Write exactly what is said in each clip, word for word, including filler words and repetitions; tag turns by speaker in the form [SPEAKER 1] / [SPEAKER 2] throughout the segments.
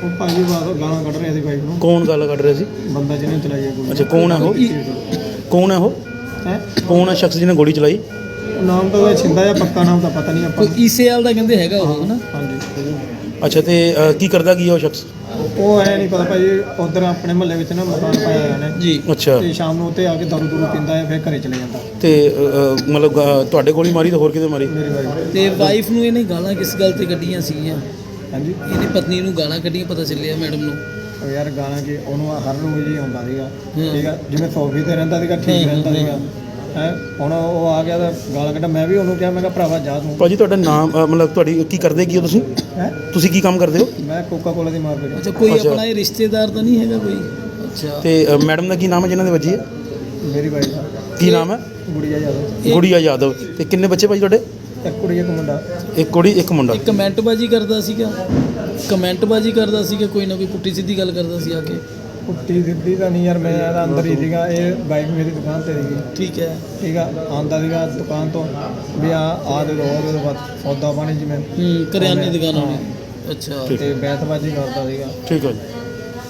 [SPEAKER 1] ਉਹ ਭਾਜੀ ਬਾਹਰ ਗਾਲਾਂ ਕੱਢ ਰਿਹਾ ਸੀ ਬਾਈਕ ਨੂੰ।
[SPEAKER 2] ਕੌਣ ਗੱਲ ਕੱਢ ਰਿਹਾ ਸੀ?
[SPEAKER 1] ਬੰਦਾ ਜਿਹਨੇ ਚਲਾਈ ਹੈ ਗੋਲੀ।
[SPEAKER 2] ਅੱਛਾ, ਕੌਣ ਹੈ ਉਹ? ਕੌਣ ਹੈ ਉਹ?
[SPEAKER 1] ਹੈ
[SPEAKER 2] ਕੌਣ ਹੈ ਸ਼ਖਸ ਜਿਹਨੇ ਗੋਲੀ ਚਲਾਈ?
[SPEAKER 1] ਨਾਮ ਤਾਂ ਉਹਦਾ ਛਿੰਦਾ ਜਾਂ ਪੱਕਾ ਨਾਮ ਤਾਂ ਪਤਾ ਨਹੀਂ ਆਪਾਂ ਨੂੰ।
[SPEAKER 3] ਈਸੇਆਲ ਦਾ ਕਹਿੰਦੇ ਹੈਗਾ ਉਹ ਹਨਾ।
[SPEAKER 1] ਹਾਂਜੀ
[SPEAKER 2] ਅੱਛਾ, ਤੇ ਅ, ਕੀ ਕਰਦਾ ਕੀ ਹੈ ਉਹ ਸ਼ਖਸ?
[SPEAKER 1] ਉਹ ਐ ਨਹੀਂ ਪਤਾ ਭਾਜੀ, ਉਧਰ ਆਪਣੇ ਮੁਹੱਲੇ ਵਿੱਚ ਨਾ ਮਕਾਨ ਪਾਇਆ ਹੋਇਆ ਨੇ
[SPEAKER 3] ਜੀ।
[SPEAKER 2] ਅੱਛਾ,
[SPEAKER 1] ਤੇ ਸ਼ਾਮ ਨੂੰ ਉੱਤੇ ਆ ਕੇ ਦਾਰੂ ਦੂਰੂ ਪੀਂਦਾ ਹੈ, ਫਿਰ ਘਰੇ ਚਲੇ ਜਾਂਦਾ।
[SPEAKER 2] ਤੇ ਅ, ਅ, ਮਤਲਬ ਅ, ਤੁਹਾਡੇ ਗੋਲੀ ਮਾਰੀ ਤਾਂ ਹੋਰ ਕਿਤੇ ਮਾਰੀ?
[SPEAKER 1] ਮੇਰੀ ਵਾਈਫ।
[SPEAKER 3] ਤੇ ਵਾਈਫ ਨੂੰ ਇਹਨੇ ਗਾਲਾਂ ਕਿਸ ਗੱਲ ਤੇ ਕੱਢੀਆਂ ਸੀਗੀਆਂ?
[SPEAKER 1] ਹਾਂਜੀ
[SPEAKER 3] ਇਹਨੇ ਪਤਨੀ ਨੂੰ ਗਾਲਾਂ ਕੱਢੀਆਂ, ਪਤਾ ਚੱਲਿਆ ਮੈਡਮ ਨੂੰ।
[SPEAKER 1] ਉਹ ਯਾਰ ਗਾਲਾਂ ਕਿ ਉਹਨੂੰ ਹਰ ਰੋਜ਼ ਹੀ ਆਉਂਦਾ ਸੀਗਾ।
[SPEAKER 3] ਹੂੰ।
[SPEAKER 1] ਠੀਕ ਆ, ਜਿਵੇਂ ਸੋਫੀ ਤੇ ਰਹਿੰਦਾ ਸੀਗਾ, ਠੀਕ
[SPEAKER 3] ਹੂੰ,
[SPEAKER 1] ਰਹਿੰਦਾ
[SPEAKER 3] ਹੂੰ,
[SPEAKER 1] ਸੀਗਾ। ਹੈ ਹੁਣ ਉਹ ਆ ਗਿਆ ਤਾਂ ਗਾਲਾਂ ਕੱਢਾ। ਮੈਂ ਵੀ ਉਹਨੂੰ ਕਿਹਾ, ਮੈਂ ਕਿਹਾ ਭਰਾਵਾ ਜਾ ਤੂੰ।
[SPEAKER 2] ਭਾਜੀ ਤੁਹਾਡਾ ਨਾਮ ਅ, ਮਤਲਬ ਤੁਹਾਡੀ ਕੀ ਕਰਦੇ ਕੀ ਹੋ ਤੁਸੀਂ?
[SPEAKER 1] ਹੈ
[SPEAKER 2] ਤੁਸੀਂ ਕੀ ਕੰਮ ਕਰਦੇ ਹੋ?
[SPEAKER 1] ਮੈਂ ਕੋਕਾ ਕੋਲਾ ਦੀ ਮਾਰਕੀਟ।
[SPEAKER 3] ਅੱਛਾ, ਕੋਈ
[SPEAKER 2] ਅੱਛਾ।
[SPEAKER 3] ਆਪਣਾ ਇਹ ਰਿਸ਼ਤੇਦਾਰ ਤਾਂ ਨਹੀਂ ਹੈਗਾ ਕੋਈ? ਅੱਛਾ।
[SPEAKER 2] ਤੇ ਅ, ਮੈਡਮ ਦਾ ਕੀ ਨਾਮ ਹੈ ਜਿਨ੍ਹਾਂ ਦੇ ਵੱਜੀ ਹੈ?
[SPEAKER 1] ਮੇਰੀ ਵਾਈਫ ਦਾ
[SPEAKER 2] ਕੀ ਨਾਮ ਹੈ?
[SPEAKER 1] ਗੁੜੀਆ ਯਾਦਵ।
[SPEAKER 3] ਇਹ-
[SPEAKER 2] ਗੁੜੀਆ ਯਾਦਵ। ਤੇ ਕਿੰਨੇ ਬੱਚੇ ਭਾਜੀ ਤੁਹਾਡੇ?
[SPEAKER 1] ਇੱਕ ਕੁੜੀ ਇੱਕ ਮੁੰਡਾ।
[SPEAKER 2] ਇੱਕ ਕੁੜੀ ਇੱਕ ਮੁੰਡਾ।
[SPEAKER 3] ਇਹ ਕਮੈਂਟਬਾਜ਼ੀ ਕਰਦਾ ਸੀਗਾ, ਕਮੈਂਟਬਾਜ਼ੀ ਕਰਦਾ ਸੀਗਾ, ਕੋਈ ਨਾ ਕੋਈ ਪੁੱਠੀ ਸਿੱਧੀ ਗੱਲ ਕਰਦਾ ਸੀ ਆ ਕੇ।
[SPEAKER 1] ਪੁੱਟੀ ਸਿੱਧੀ ਤਾਂ ਨਹੀਂ ਯਾਰ, ਮੈਂ ਇਹਦਾ ਅੰਦਰ ਹੀ ਸੀਗਾ। ਇਹ ਬਾਈਕ ਮੇਰੀ ਦੁਕਾਨ ਤੇ ਸੀਗੀ।
[SPEAKER 3] ਠੀਕ ਹੈ।
[SPEAKER 1] ਠੀਕ ਆ, ਆਉਂਦਾ ਸੀਗਾ ਦੁਕਾਨ ਤੋਂ ਵੀ ਆ ਆ ਦੇ ਰੋਜ਼ ਬਾਅਦ ਸੌਦਾ ਪਾਣੀ ਜਿਵੇਂ
[SPEAKER 3] ਹੂੰ, ਕਰਿਆਨੇ ਦੀ ਦੁਕਾਨ ਹੋਣੀ। ਅੱਛਾ।
[SPEAKER 2] ਠੀਕ।
[SPEAKER 1] ਤੇ ਬੈਤਬਾਜੀ ਕਰਦਾ ਸੀਗਾ।
[SPEAKER 2] ਠੀਕ ਹੈ ਜੀ।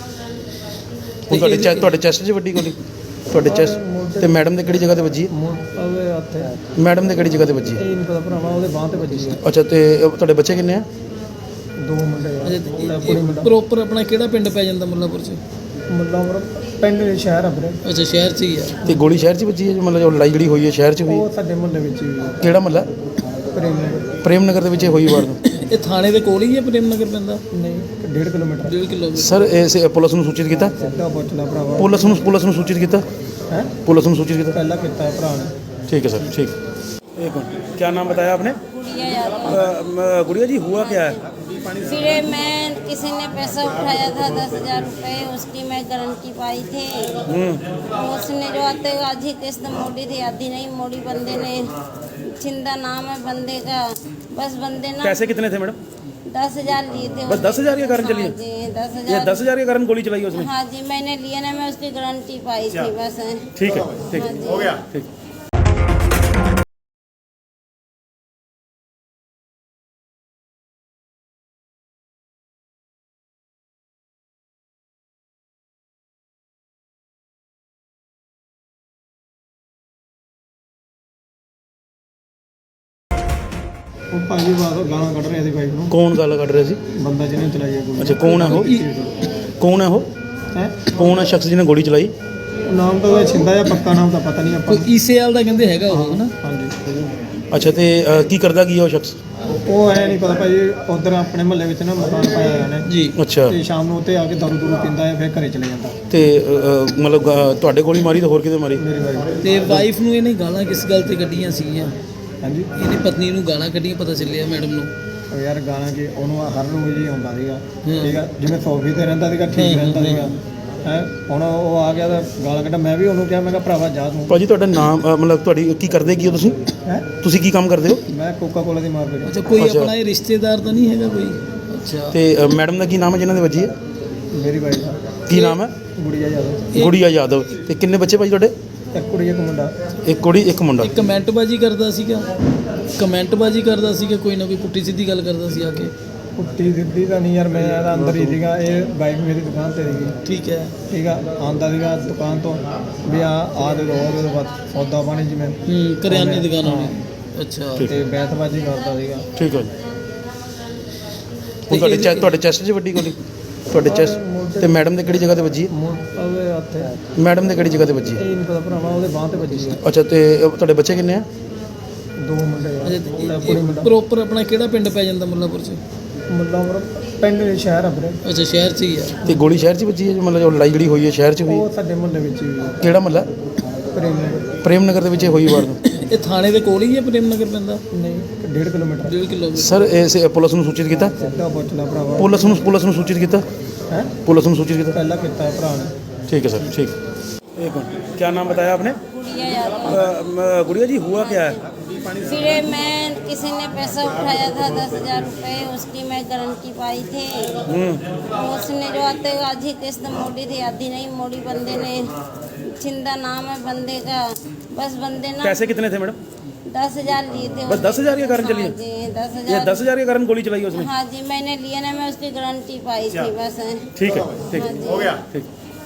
[SPEAKER 2] ਹੁਣ ਤੁਹਾਡੇ ਚੈ ਤੁਹਾਡੇ ਚੈਸਟ 'ਚ ਵੱਡੀ ਗੋਲੀ? ਤੁਹਾਡੇ ਚੈਸਟ ਤੇ ਮੈਡਮ ਦੇ ਕਿਹੜੀ ਜਗ੍ਹਾ ਤੇ ਵੱਜੀ ਹੈ?
[SPEAKER 1] ਉਹਦੇ ਹੱਥ
[SPEAKER 2] ਮੈਡਮ ਦੇ ਕਿਹੜੀ ਜਗ੍ਹਾ ਤੇ ਵੱਜੀ ਹੈ?
[SPEAKER 1] ਇਹ ਨਹੀਂ ਪਤਾ ਭਰਾਵਾ, ਉਹਦੇ ਬਾਂਹ ਤੇ ਵੱਜੀ ਹੈ।
[SPEAKER 2] ਅੱਛਾ, ਤੇ ਅ, ਤੁਹਾਡੇ ਬੱਚੇ ਕਿੰਨੇ ਆ?
[SPEAKER 1] ਦੋ ਮੁੰਡੇ ਆ।
[SPEAKER 3] ਅੱਛਾ,
[SPEAKER 1] ਕੁੜੀ ਮੁੰਡਾ।
[SPEAKER 3] ਪ੍ਰੋਪਰ ਆਪਣਾ ਕਿਹੜਾ ਪਿੰਡ ਪੈ ਜਾਂਦਾ ਮੁੱਲਾਪੁਰ 'ਚ?
[SPEAKER 1] ਮੁੱਲਾਪੁਰ ਪਿੰਡ ਸ਼ਹਿਰ ਆ ਵੀਰੇ।
[SPEAKER 3] ਅੱਛਾ, ਸ਼ਹਿਰ 'ਚ ਹੀ ਆ।
[SPEAKER 2] ਤੇ ਗੋਲੀ ਸ਼ਹਿਰ 'ਚ ਵੱਜੀ ਹੈ? ਮਤਲਬ ਜੋ ਲੜਾਈ ਜਿਹੜੀ ਹੋਈ ਹੈ ਸ਼ਹਿਰ 'ਚ ਹੋਈ?
[SPEAKER 1] ਉਹ ਸਾਡੇ ਮੁਹੱਲੇ ਵਿੱਚ ਹੀ ਹੋਈ ਹੈ।
[SPEAKER 2] ਕਿਹੜਾ ਮਹੱਲਾ?
[SPEAKER 1] ਪ੍ਰੇਮ ਨਗਰ।
[SPEAKER 2] ਪ੍ਰੇਮ ਨਗਰ ਦੇ ਵਿੱਚ ਇਹ ਹੋਈ ਵਾਰਦਾਤ?
[SPEAKER 3] ਇਹ ਥਾਣੇ ਦੇ ਕੋਲ ਹੀ ਹੈ, ਪ੍ਰੇਮ ਨਗਰ ਪੈਂਦਾ?
[SPEAKER 1] ਨਹੀਂ, ਡੇਢ ਕਿਲੋਮੀਟਰ।
[SPEAKER 3] ਡੇਢ ਕਿਲੋਮੀਟਰ।
[SPEAKER 2] ਸਰ ਇਸ ਪੁਲਿਸ ਨੂੰ ਸੂਚਿਤ ਕੀਤਾ?
[SPEAKER 1] ਸਿੱਧਾ ਪੁੱਛ ਲੈ ਭਰਾਵਾ।
[SPEAKER 2] ਪੁਲਿਸ ਨੂੰ ਪੁਲਿਸ ਨੂੰ ਸੂਚਿਤ ਕੀਤਾ?
[SPEAKER 1] ਹੈ
[SPEAKER 2] पुलिस ने सूचित किया?
[SPEAKER 1] ਪਹਿਲਾਂ ਕੀਤਾ ਹੈ ਭਰਾ ਨੇ।
[SPEAKER 2] ठीक है सर, ठीक। एक मिनट, क्या नाम बताया आपने?
[SPEAKER 4] गुड़िया यादव।
[SPEAKER 2] अ, म, गुड़िया जी हुआ क्या है?
[SPEAKER 4] फिर मैं किसी ने पैसा उठाया था दस हजार रुपये, उसकी मैं गारंटी पाई थी। उसने जो आते आधी किस्त मोड़ी थी, आधी नहीं मोड़ी। बंदे ने छिंदा नाम है बंदे का, बस बंदे ना
[SPEAKER 2] पैसे कितने थे मैडम?
[SPEAKER 4] दस हजार लिए थे।
[SPEAKER 2] बस दस हजार के कारण चली है?
[SPEAKER 4] हाँ जी, दस
[SPEAKER 2] ये
[SPEAKER 4] हजार।
[SPEAKER 2] दस हजार के कारण गोली चलाई है उसने?
[SPEAKER 4] हाँ जी, मैंने लिया ना, मैं उसकी गारंटी पाई थी बस।
[SPEAKER 2] ठीक है, ठीक
[SPEAKER 4] हाँ जी।
[SPEAKER 2] हो गया, ठीक।
[SPEAKER 1] ਉਹ ਭਾਜੀ ਬਾਹਰ ਗਾਲਾਂ ਕੱਢ ਰਿਹਾ ਸੀ ਬਾਈਕ ਨੂੰ।
[SPEAKER 2] कौन गाला ਕੱਢ ਰਿਹਾ ਸੀ?
[SPEAKER 1] ਬੰਦਾ ਜਿਹਨੇ ਚਲਾਈ ਹੈ ਗੋਲੀ।
[SPEAKER 2] ਅੱਛਾ, ਕੌਣ ਹੈ ਉਹ? ਕੌਣ ਹੈ ਉਹ?
[SPEAKER 1] ਹੈ
[SPEAKER 2] ਕੌਣ ਹੈ ਸ਼ਖਸ ਜਿਹਨੇ ਗੋਲੀ ਚਲਾਈ?
[SPEAKER 1] ਨਾਮ ਤਾਂ ਉਹਦਾ ਛਿੰਦਾ ਜਾਂ ਪੱਕਾ ਨਾਮ ਤਾਂ ਪਤਾ ਨਹੀਂ ਆਪਾਂ
[SPEAKER 3] ਕੋਈ
[SPEAKER 1] ਨੂੰ।
[SPEAKER 3] ਈਸੇਆਲ ਦਾ ਕਹਿੰਦੇ ਹੈਗਾ ਉਹ ਹਨਾ।
[SPEAKER 1] ਹਾਂਜੀ
[SPEAKER 2] ਅੱਛਾ, ਤੇ ਅ, ਕੀ ਕਰਦਾ ਕੀ ਹੈ ਉਹ ਸ਼ਖਸ?
[SPEAKER 1] ਉਹ ਐ ਨਹੀਂ ਪਤਾ ਭਾਜੀ, ਉਧਰ ਆਪਣੇ ਮੁਹੱਲੇ ਵਿੱਚ ਨਾ ਮਕਾਨ ਪਾਇਆ ਹੋਇਆ ਨੇ।
[SPEAKER 3] ਜੀ।
[SPEAKER 2] ਅੱਛਾ,
[SPEAKER 1] ਤੇ ਸ਼ਾਮ ਨੂੰ ਉੱਤੇ ਆ ਕੇ ਦਾਰੂ ਦੂਰੂ ਪੀਂਦਾ ਹੈ, ਫਿਰ ਘਰੇ ਚਲੇ ਜਾਂਦਾ।
[SPEAKER 2] ਤੇ ਅ, ਅ, ਮਤਲਬ ਅ, ਤੁਹਾਡੇ ਗੋਲੀ ਮਾਰੀ ਤਾਂ ਹੋਰ ਕਿਤੇ ਮਾਰੀ?
[SPEAKER 1] ਮੇਰੀ ਵਾਈਫ।
[SPEAKER 3] ਤੇ ਵਾਈਫ ਨੂੰ ਇਹਨੇ ਗਾਲਾਂ ਕਿਸ ਗੱਲ ਤੇ ਕੱਢੀਆਂ ਸੀਗੀਆਂ?
[SPEAKER 1] ਹਾਂਜੀ
[SPEAKER 3] ਇਹਨੇ ਪਤਨੀ ਨੂੰ ਗਾਲਾਂ ਕੱਢੀਆਂ, ਪਤਾ ਚੱਲਿਆ ਮੈਡਮ ਨੂੰ।
[SPEAKER 1] ਉਹ ਯਾਰ ਗਾਲਾਂ ਕਿ ਉਹਨੂੰ ਹਰ ਰੋਜ਼ ਹੀ ਆਉਂਦਾ ਸੀਗਾ।
[SPEAKER 3] ਹੂੰ।
[SPEAKER 1] ਠੀਕ ਆ, ਜਿਵੇਂ ਸੋਫੀ ਤੇ ਰਹਿੰਦਾ ਸੀਗਾ, ਠੀਕ
[SPEAKER 3] ਹੂੰ,
[SPEAKER 1] ਰਹਿੰਦਾ
[SPEAKER 3] ਹੂੰ,
[SPEAKER 1] ਸੀਗਾ। ਹੈ ਹੁਣ ਉਹ ਆ ਗਿਆ ਤਾਂ ਗਾਲਾਂ ਕੱਢਾ। ਮੈਂ ਵੀ ਉਹਨੂੰ ਕਿਹਾ, ਮੈਂ ਕਿਹਾ ਭਰਾਵਾ ਜਾ ਤੂੰ।
[SPEAKER 2] ਭਾਜੀ ਤੁਹਾਡਾ ਨਾਮ ਅ, ਮਤਲਬ ਤੁਹਾਡੀ ਕੀ ਕਰਦੇ ਕੀ ਹੋ ਤੁਸੀਂ?
[SPEAKER 1] ਹੈ
[SPEAKER 2] ਤੁਸੀਂ ਕੀ ਕੰਮ ਕਰਦੇ ਹੋ?
[SPEAKER 1] ਮੈਂ ਕੋਕਾ ਕੋਲਾ ਦੀ ਮਾਰਕੀਟ।
[SPEAKER 3] ਅੱਛਾ, ਕੋਈ
[SPEAKER 2] ਅੱਛਾ।
[SPEAKER 3] ਆਪਣਾ ਇਹ ਰਿਸ਼ਤੇਦਾਰ ਤਾਂ ਨਹੀਂ ਹੈਗਾ ਕੋਈ? ਅੱਛਾ।
[SPEAKER 2] ਤੇ ਅ, ਮੈਡਮ ਦਾ ਕੀ ਨਾਮ ਹੈ ਜਿਨ੍ਹਾਂ ਦੇ ਵੱਜੀ ਹੈ?
[SPEAKER 1] ਮੇਰੀ ਵਾਈਫ ਦਾ
[SPEAKER 2] ਕੀ ਨਾਮ ਹੈ?
[SPEAKER 1] ਗੁੜੀਆ ਯਾਦਵ।
[SPEAKER 3] ਇਹ-
[SPEAKER 2] ਗੁੜੀਆ ਯਾਦਵ। ਤੇ ਕਿੰਨੇ ਬੱਚੇ ਭਾਜੀ ਤੁਹਾਡੇ?
[SPEAKER 1] ਇੱਕ ਕੁੜੀ ਇੱਕ ਮੁੰਡਾ।
[SPEAKER 2] ਇੱਕ ਕੁੜੀ ਇੱਕ ਮੁੰਡਾ।
[SPEAKER 3] ਇਹ ਕਮੈਂਟਬਾਜ਼ੀ ਕਰਦਾ ਸੀਗਾ, ਕਮੈਂਟਬਾਜ਼ੀ ਕਰਦਾ ਸੀਗਾ, ਕੋਈ ਨਾ ਕੋਈ ਪੁੱਠੀ ਸਿੱਧੀ ਗੱਲ ਕਰਦਾ ਸੀ ਆ ਕੇ।
[SPEAKER 1] ਪੁੱਟੀ ਸਿੱਧੀ ਤਾਂ ਨਹੀਂ ਯਾਰ, ਮੈਂ ਇਹਦਾ ਅੰਦਰ ਹੀ ਸੀਗਾ। ਇਹ ਬਾਈਕ ਮੇਰੀ ਦੁਕਾਨ ਤੇ ਸੀਗੀ।
[SPEAKER 3] ਠੀਕ ਹੈ।
[SPEAKER 1] ਠੀਕ ਆ, ਆਉਂਦਾ ਸੀਗਾ ਦੁਕਾਨ ਤੋਂ ਵੀ ਆ ਆ ਦੇ ਰੋਜ਼ ਬਾਅਦ ਸੌਦਾ ਪਾਣੀ ਜਿਵੇਂ
[SPEAKER 3] ਹੂੰ, ਕਰਿਆਨੇ ਦੀ ਦੁਕਾਨ ਹੋਣੀ। ਅੱਛਾ।
[SPEAKER 2] ਠੀਕ।
[SPEAKER 1] ਤੇ ਬੈਤਬਾਜੀ ਕਰਦਾ ਸੀਗਾ।
[SPEAKER 2] ਠੀਕ ਹੈ ਜੀ। ਹੁਣ ਤੁਹਾਡੇ ਚੈ ਤੁਹਾਡੇ ਚੈਸਟ 'ਚ ਵੱਡੀ ਗੋਲੀ? ਤੁਹਾਡੇ ਚੈਸਟ ਤੇ ਮੈਡਮ ਦੇ ਕਿਹੜੀ ਜਗ੍ਹਾ ਤੇ ਵੱਜੀ ਹੈ?
[SPEAKER 1] ਮੁੰ- ਉਹਦੇ ਹੱਥ
[SPEAKER 2] ਮੈਡਮ ਦੇ ਕਿਹੜੀ ਜਗ੍ਹਾ ਤੇ ਵੱਜੀ ਹੈ?
[SPEAKER 1] ਇਹ ਨਹੀਂ ਪਤਾ ਭਰਾਵਾ, ਉਹਦੇ ਬਾਂਹ ਤੇ ਵੱਜੀ ਹੈ।
[SPEAKER 2] ਅੱਛਾ, ਤੇ ਅ, ਤੁਹਾਡੇ ਬੱਚੇ ਕਿੰਨੇ ਆ?
[SPEAKER 1] ਦੋ ਮੁੰਡੇ ਆ।
[SPEAKER 3] ਅੱਛਾ,
[SPEAKER 1] ਕੁੜੀ ਮੁੰਡਾ।
[SPEAKER 3] ਪ੍ਰੋਪਰ ਆਪਣਾ ਕਿਹੜਾ ਪਿੰਡ ਪੈ ਜਾਂਦਾ ਮੁੱਲਾਪੁਰ 'ਚ?
[SPEAKER 1] ਮੁੱਲਾਪੁਰ ਪਿੰਡ ਸ਼ਹਿਰ ਆ ਵੀਰੇ।
[SPEAKER 3] ਅੱਛਾ, ਸ਼ਹਿਰ 'ਚ ਹੀ ਆ।
[SPEAKER 2] ਤੇ ਗੋਲੀ ਸ਼ਹਿਰ 'ਚ ਵੱਜੀ ਹੈ? ਮਤਲਬ ਜੋ ਲੜਾਈ ਜਿਹੜੀ ਹੋਈ ਹੈ ਸ਼ਹਿਰ 'ਚ ਹੋਈ?
[SPEAKER 1] ਉਹ ਸਾਡੇ ਮੁਹੱਲੇ ਵਿੱਚ ਹੀ ਹੋਈ ਹੈ।
[SPEAKER 2] ਕਿਹੜਾ ਮਹੱਲਾ?
[SPEAKER 1] ਪ੍ਰੇਮ ਨਗਰ।
[SPEAKER 2] ਪ੍ਰੇਮ ਨਗਰ ਦੇ ਵਿੱਚ ਇਹ ਹੋਈ ਵਾਰਦਾਤ?
[SPEAKER 3] ਇਹ ਥਾਣੇ ਦੇ ਕੋਲ ਹੀ ਹੈ, ਪ੍ਰੇਮ ਨਗਰ ਪੈਂਦਾ?
[SPEAKER 1] ਨਹੀਂ, ਡੇਢ ਕਿਲੋਮੀਟਰ।
[SPEAKER 3] ਡੇਢ ਕਿਲੋਮੀਟਰ।
[SPEAKER 2] ਸਰ ਇਸ ਪੁਲਿਸ ਨੂੰ ਸੂਚਿਤ ਕੀਤਾ?
[SPEAKER 1] ਸਿੱਧਾ ਪੁੱਛ ਲੈ ਭਰਾਵਾ।
[SPEAKER 2] ਪੁਲਿਸ ਨੂੰ ਪੁਲਿਸ ਨੂੰ ਸੂਚਿਤ ਕੀਤਾ?
[SPEAKER 1] ਹੈ
[SPEAKER 2] पुलिस ने सूचित किया?
[SPEAKER 1] ਪਹਿਲਾਂ ਕੀਤਾ ਹੈ ਭਰਾ ਨੇ।
[SPEAKER 2] ठीक है सर, ठीक। एक मिनट, क्या नाम बताया आपने?
[SPEAKER 4] गुड़िया यादव।
[SPEAKER 2] अ, म, गुड़िया जी हुआ क्या है?
[SPEAKER 4] फिर मैं किसी ने पैसा उठाया था दस हजार रुपये, उसकी मैं गारंटी पाई थी। उसने जो आते आधी किस्त मोड़ी थी, आधी नहीं मोड़ी। बंदे ने छिंदा नाम है बंदे का, बस बंदे ना
[SPEAKER 2] पैसे कितने थे मैडम?
[SPEAKER 4] दस हजार लिए थे
[SPEAKER 2] बस दस हजार के कारण चली है?
[SPEAKER 4] हाँ जी दस
[SPEAKER 2] ये
[SPEAKER 4] हजार
[SPEAKER 2] दस हजार के कारण गोली चलाई है उसने?
[SPEAKER 4] हाँ जी मैंने लिया ना, मैं उसकी गारंटी पाई थी बस।
[SPEAKER 2] ठीक है, ठीक
[SPEAKER 4] हाँ
[SPEAKER 2] है,
[SPEAKER 4] जी।
[SPEAKER 2] हो गया, ठीक।